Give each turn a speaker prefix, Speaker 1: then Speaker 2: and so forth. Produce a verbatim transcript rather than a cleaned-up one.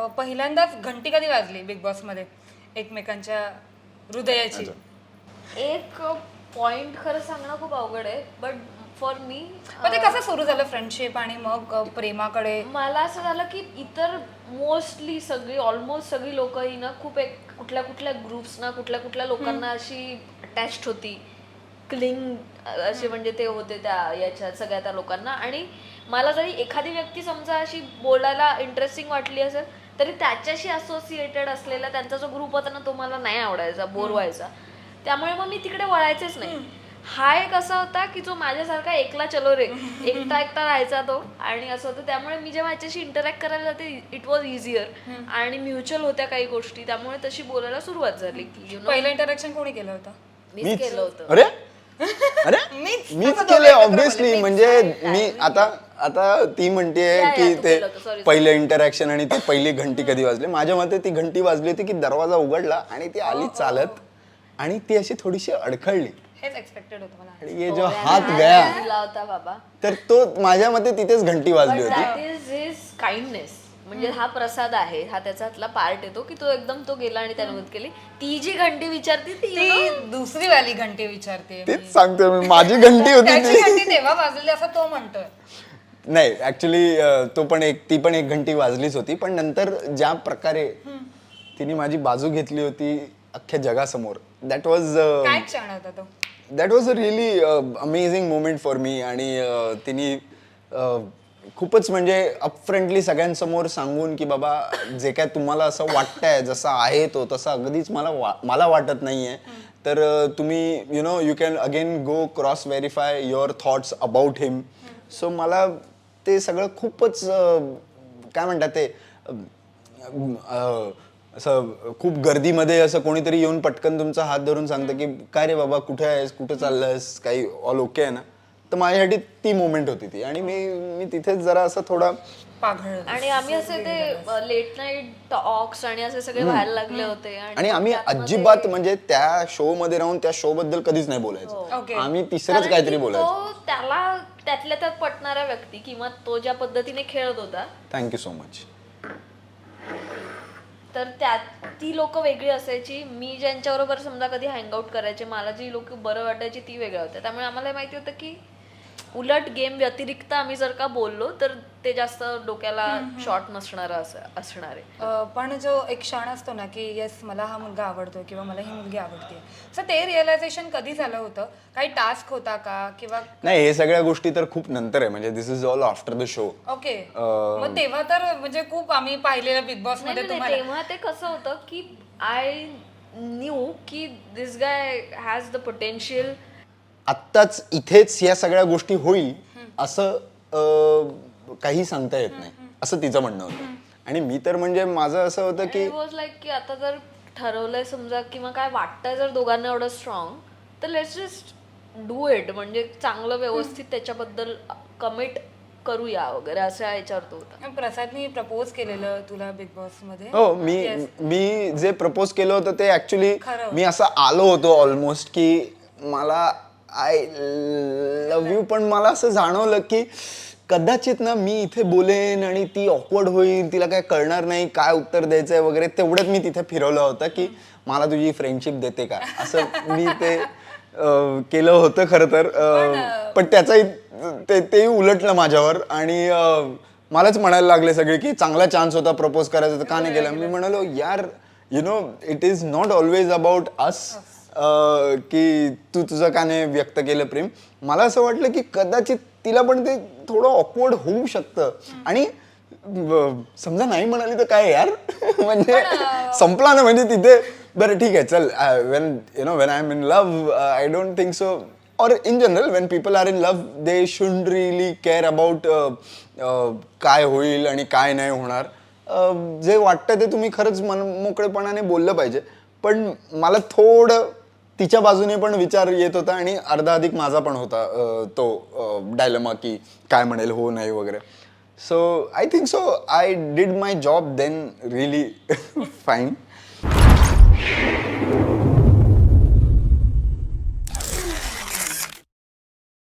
Speaker 1: पहिल्यांदाच घंटी कधी वाजली बिग बॉस मध्ये एकमेकांच्या हृदयाची?
Speaker 2: एक पॉइंट खरं सांगणं खूप अवघड आहे, बट फॉर मी
Speaker 1: मग ते कसं सुरू झालं फ्रेंडशिप आणि मग अ, प्रेमाकडे?
Speaker 2: मला असं झालं की इतर मोस्टली सगळी ऑलमोस्ट सगळी लोक ही ना खूप एक कुठल्या कुठल्या ग्रुप्सना कुठल्या कुठल्या लोकांना अशी अटॅच्ड होती, क्लिंग असे म्हणजे ते होते त्या याच्या सगळ्या त्या लोकांना. आणि मला जरी एखादी व्यक्ती समजा अशी बोलायला इंटरेस्टिंग वाटली असेल तरी त्याच्याशी असोसिएटेड असलेला त्यांचा जो ग्रुप होता ना तो मला नाही आवडायचा, बोर व्हायचा. त्यामुळे मग मी तिकडे वळायचेच नाही. हा एक असा होता की जो माझ्यासारखा एकला चलो रे, एकटा एकटा राहायचा तो, आणि असं होतं. त्यामुळे मी जेव्हा याच्याशी इंटरॅक्ट करायला जाते इट वॉज इझियर आणि म्युच्युअल होत्या काही गोष्टी, त्यामुळे तशी बोलायला सुरुवात झाली. की यु नो
Speaker 1: पहिलं इंटरॅक्शन कोणी केलं होतं?
Speaker 2: मीच केलं होतं.
Speaker 3: अरे अरे
Speaker 1: मीच
Speaker 3: मीच केले ऑब्विसली. म्हणजे मी आता आता ती म्हणतेय
Speaker 2: या,
Speaker 3: की
Speaker 2: तू
Speaker 3: ते
Speaker 2: केलं होतं, sorry,
Speaker 3: पहिलं इंटरॅक्शन आणि ती पहिली घंटी कधी वाजली. माझ्या मते ती घंटी वाजली होती की दरवाजा उघडला आणि ती आली चालत आणि ती अशी थोडीशी अडखळली
Speaker 1: हेच एक्सपेक्टेड होतं मला.
Speaker 3: आणि ये जो हात गया
Speaker 2: दिला होता बाबा,
Speaker 3: तर तो माझ्या मते तिथेच घंटी वाजली होती.
Speaker 2: That is his kindness. म्हणजे हा प्रसाद आहे, हा त्याच्यातला पार्ट येतो की तो एकदम तो गेला आणि त्याने मदत केली. ती जी घंटी विचारती ती you know,
Speaker 1: ती दुसरी वाली घंटी विचारते.
Speaker 3: तेच सांगतोय मी, माझी घंटी होती
Speaker 1: त्याची
Speaker 3: ती.
Speaker 1: घंटी तेव्हा वाजली असं तो म्हणतोय.
Speaker 3: नाही ऍक्च्युली तो पण एक ती पण एक घंटी वाजलीच होती, पण नंतर ज्या प्रकारे तिने माझी बाजू घेतली होती अख्ख्या जगासमोर, दॅट वॉज
Speaker 1: काय क्षण होता तो?
Speaker 3: That was a really amazing moment for me. आणि uh, तिने uh, खूपच म्हणजे अपफ्रंटली सगळ्यांसमोर सांगून की बाबा जे काय तुम्हाला असं वाटतंय जसा आहे तो तसा अगदीच मला वा मला वाटत नाहीये, तर uh, तुम्ही you know you can again go cross verify your thoughts about him. So मला ते सगळं खूपच uh, काय म्हणतात ते uh, uh, असं खूप गर्दीमध्ये असं कोणीतरी येऊन पटकन तुमचा हात धरून सांगतं की काय रे बाबा कुठे आहेस, कुठे चाललंयस, काही ऑल ओके आहे ना. तर माझ्यासाठी ती मोमेंट होती ती. आणि मी मी तिथेच जरा असं थोडा
Speaker 1: पाघळ.
Speaker 2: आणि आम्ही असे ते लेट नाईट टॉक्स आणि असे सगळे व्हायला लागले होते.
Speaker 3: आणि आम्ही अजिबात म्हणजे त्या शो मध्ये राहून त्या शो बद्दल कधीच नाही बोलायचो.
Speaker 1: ओके.
Speaker 3: आम्ही तिसरंच
Speaker 2: कारण
Speaker 3: काहीतरी
Speaker 2: की
Speaker 3: बोलायचो.
Speaker 2: तो त्याला त्यातल्या त्यात पटणारा व्यक्ती किंवा तो ज्या पद्धतीने खेळत होता,
Speaker 3: थँक्यू सो मच.
Speaker 2: तर त्यात ती लोक वेगळी असायची. मी ज्यांच्याबरोबर समजा कधी हँगआउट करायचे, मला जी लोक बरं वाटायची ती वेगळ्या होत्या. त्यामुळे आम्हाला माहिती होतं की उलट गेम व्यतिरिक्त आम्ही जर का बोललो तर ते जास्त डोक्याला शॉर्ट नसणार असं असणार आहे.
Speaker 1: अ, पण जो एक क्षण असतो ना की येस मला हा मुलगा आवडतोय किंवा मला ही मुलगी आवडते, सो ते रिअलायझेशन कधी झालं होतं? काही टास्क होता का किंवा?
Speaker 3: नाही हे सगळ्या गोष्टी तर खूप नंतर आहे. म्हणजे this is all after the show.
Speaker 1: Okay. मग तेव्हा तर म्हणजे खूप आम्ही पाहिलेलं बिग बॉस
Speaker 2: नाही,
Speaker 1: मध्ये
Speaker 2: नाही,
Speaker 1: तुम्हाला.
Speaker 2: तेव्हा ते कसं होतं की आय न्यू की this guy has the potential.
Speaker 3: आत्ताच इथेच या सगळ्या गोष्टी होईल असं अं, काही सांगता येत नाही असं तिचं म्हणणं होतं. आणि मी तर म्हणजे माझं असं होतं की
Speaker 2: वॉज लाईक की आता जर ठरवलंय समजा किंवा काय वाटतंय जर दोघांना एवढं स्ट्रॉंग, तर लेट्स जस्ट डू इट. म्हणजे चांगलं व्यवस्थित त्याच्याबद्दल कमिट करूया वगैरे असं याच्यावर तो होता.
Speaker 1: प्रसादनी प्रपोज केलेलं तुला बिग बॉस मध्ये?
Speaker 3: हो मी मी जे प्रपोज केलं होतं ते ऍक्च्युली
Speaker 1: खरं.
Speaker 3: मी असं आलो होतो ऑलमोस्ट की मला आय लव्ह यू, पण मला असं जाणवलं की कदाचित ना मी इथे बोलेन आणि ती ऑकवर्ड होईल, तिला काय कळणार नाही काय उत्तर द्यायचंय वगैरे. तेवढ्यात मी तिथे फिरवलं होतं की मला तुझी फ्रेंडशिप देते का, असं मी ते अं, केलं होतं खरं तर. अं, पण त्याचाही ते तेही उलटलं माझ्यावर आणि अं, मलाच म्हणायला लागले सगळे की चांगला चान्स होता प्रपोज करायचा तर का नाही केला. मी म्हणालो यार you know it is not always about us की तू तुझं का नाही व्यक्त केलं प्रेम. मला असं वाटलं की कदाचित तिला पण ते थोडं ऑकवर्ड होऊ शकतं. आणि ब- समजा नाही म्हणाली तर काय यार म्हणजे संपला ना. म्हणजे तिथे बरं ठीक आहे चल, when you know when I am in love I don't think so, और in general when people are in love they should really care about काय होईल आणि काय नाही होणार. अं, जे वाटतं ते तुम्ही खरंच मन मोकळेपणाने बोललं पाहिजे. पण मला थोडं तिच्या बाजूने पण विचार येत होता आणि अर्धा अधिक माझा पण होता अं, तो डायलमा की काय म्हणेल हो नाही वगैरे. So I think so I did my job then really fine.